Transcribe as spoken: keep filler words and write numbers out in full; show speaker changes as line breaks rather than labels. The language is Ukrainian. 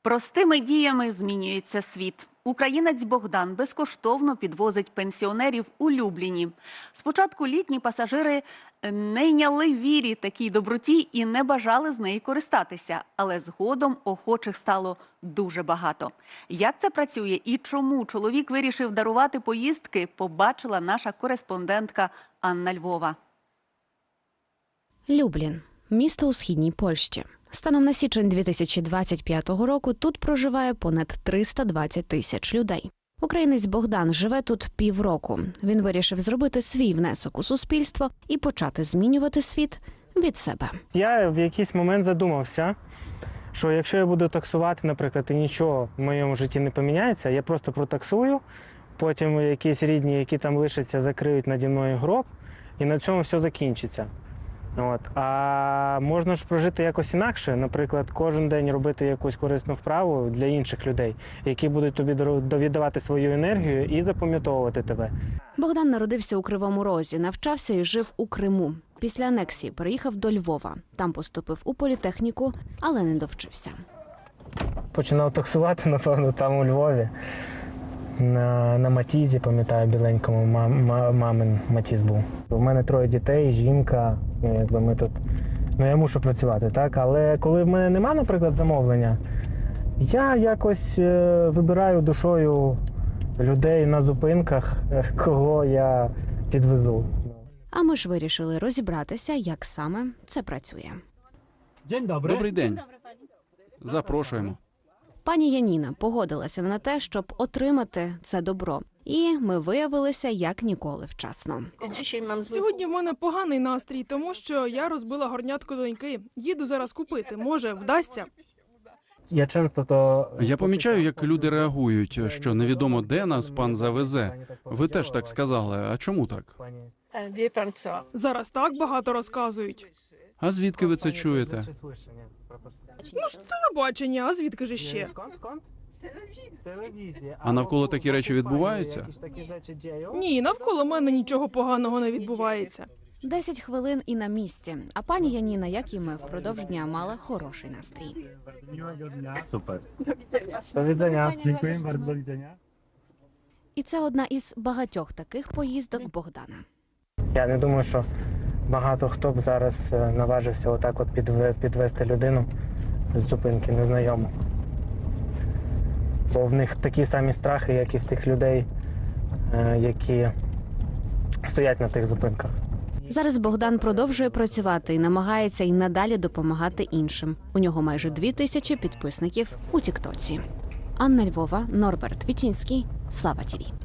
Простими діями змінюється світ. Українець Богдан безкоштовно підвозить пенсіонерів у Любліні. Спочатку літні пасажири не йняли вірі такій доброті і не бажали з неї користатися. Але згодом охочих стало дуже багато. Як це працює і чому чоловік вирішив дарувати поїздки, побачила наша кореспондентка Анна Львова.
Люблін – місто у східній Польщі. Станом на січень дві тисячі двадцять п'ятого року тут проживає понад триста двадцять тисяч людей. Українець Богдан живе тут півроку. Він вирішив зробити свій внесок у суспільство і почати змінювати світ від себе.
Я в якийсь момент задумався, що якщо я буду таксувати, наприклад, і нічого в моєму житті не поміняється, я просто протаксую, потім якісь рідні, які там лишаться, закриють наді мною гроб, і на цьому все закінчиться. От. А можна ж прожити якось інакше, наприклад, кожен день робити якусь корисну вправу для інших людей, які будуть тобі довідавати свою енергію і запам'ятовувати тебе.
Богдан народився у Кривому Розі, навчався і жив у Криму. Після анексії переїхав до Львова. Там поступив у політехніку, але не довчився.
Починав таксувати, напевно, там у Львові. На, на Матізі, пам'ятаю, біленькому, мам, мамин Матіз був. У мене троє дітей, жінка, якби ми тут, ну я мушу працювати, так? Але коли в мене нема, наприклад, замовлення, я якось е, вибираю душою людей на зупинках, кого я підвезу.
А ми ж вирішили розібратися, як саме це працює.
Dzień dobry.
Добрий день. Запрошуємо.
Пані Яніна погодилася на те, щоб отримати це добро. І ми виявилися як ніколи вчасно.
Сьогодні в мене поганий настрій, тому що я розбила горнятко доньки. Їду зараз купити. Може, вдасться?
Я часто то...
Я помічаю, як люди реагують, що невідомо де нас пан завезе. Ви теж так сказали. А чому так?
Зараз так багато розказують.
А звідки ви це чуєте?
Ну, з телебачення, а звідки ж ще?
А навколо такі речі відбуваються?
Ні, навколо мене нічого поганого не відбувається.
Десять хвилин і на місці. А пані Яніна, як і ми, впродовж дня мала хороший настрій.
Super.
До widzenia.
Dziękuję bardzo, do widzenia.
І це одна із багатьох таких поїздок Богдана.
Я не думаю, що багато хто б зараз наважився отак от підвести людину з зупинки незнайому. Бо в них такі самі страхи, як і в тих людей, які стоять на тих зупинках.
Зараз Богдан продовжує працювати і намагається і надалі допомагати іншим. У нього майже дві тисячі підписників у Тіктоці. Анна Львова, Норберт Вічинський, Слава ТІВІ.